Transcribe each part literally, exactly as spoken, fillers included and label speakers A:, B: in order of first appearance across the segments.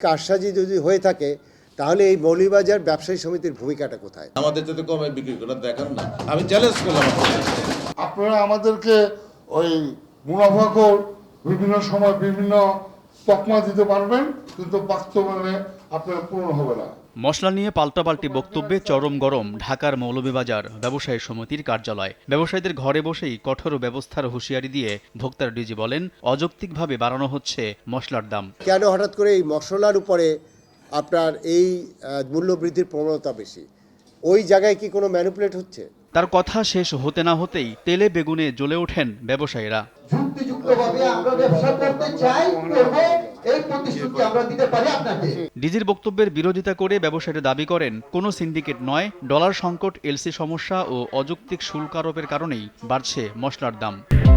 A: কারসাজি যদি হয়ে থাকে তাহলে এই মৌলভীবাজার ব্যবসায়ী সমিতির ভূমিকাটা কোথায়?
B: আমাদের যাতে কমে বিক্রি করে দেখান না, আমি চ্যালেঞ্জ করলাম।
C: আপনারা আমাদেরকে ওই মুনাফাখোর বিভিন্ন সময় বিভিন্ন তকমা দিতে পারবেন, কিন্তু বাস্তবায়নে আপনারা পূরণ হবে না।
D: মশলা নিয়ে পাল্টাপাল্টি বক্তব্যে চরম গরম ঢাকার মৌলভীবাজার ব্যবসায়ী সমিতির কার্যালয়। ব্যবসায়ীদের ঘরে বসেই কঠোর ব্যবস্থার হুঁশিয়ারি দিয়ে ভোক্তার ডিজি বলেন, অযৌক্তিকভাবে বাড়ানো হচ্ছে মশলার দাম।
A: কেন হঠাৎ করে এই মশলার উপরে আপনার এই মূল্য বৃদ্ধির প্রবণতা বেশি? ওই জায়গায় কি কোনো ম্যানিপুলেট হচ্ছে?
D: তার কথা শেষ হতে না হতেই তেলে বেগুনে জ্বলে ওঠেন ব্যবসায়ীরা।
E: যুক্তিযুক্তভাবে আমরা ব্যবসা করতে চাই, করব, এই প্রতিশ্রুতি আমরা দিতে পারি আপনাকে।
D: ডিজির বক্তব্যের বিরোধিতা করে ব্যবসায়ীরা দাবি করেন, কোনো সিন্ডিকেট নয়, ডলার সংকট, এলসি সমস্যা ও অযৌক্তিক শুল্ক আরোপের কারণেই বাড়ছে মশলার দাম।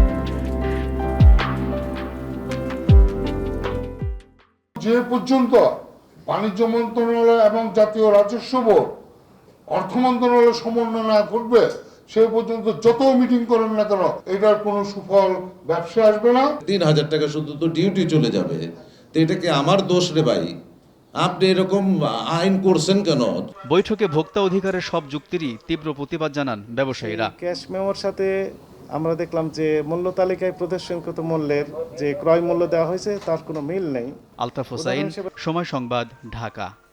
C: যে পর্যন্ত বাণিজ্য মন্ত্রণালয় এবং জাতীয় রাজস্ব বোর্ড অর্থ মন্ত্রণালয় সমন্বয় না করবে সে পর্যন্ত যত মিটিং করেন না কেন এটার কোনো সুফল ব্যবসা আসবে না।
B: তিন হাজার টাকা শুধু তো ডিউটি চলে যাবে, তো এটা কি আমার দোষ রে ভাই? আপনি এরকম আইন করছেন কেন?
D: বৈঠকে ভোক্তা অধিকারের সব যুক্তিরই তীব্র প্রতিবাদ জানান ব্যবসায়ীরা।
F: ক্যাশ মেমোর সাথে আমরা দেখলাম যে মূল্য তালিকায় প্রদর্শনকৃত মূল্যের যে ক্রয় মূল্য দেওয়া হয়েছে তার কোনো মিল নেই।
D: আলতাফ হোসাইন, সময় সংবাদ, ঢাকা।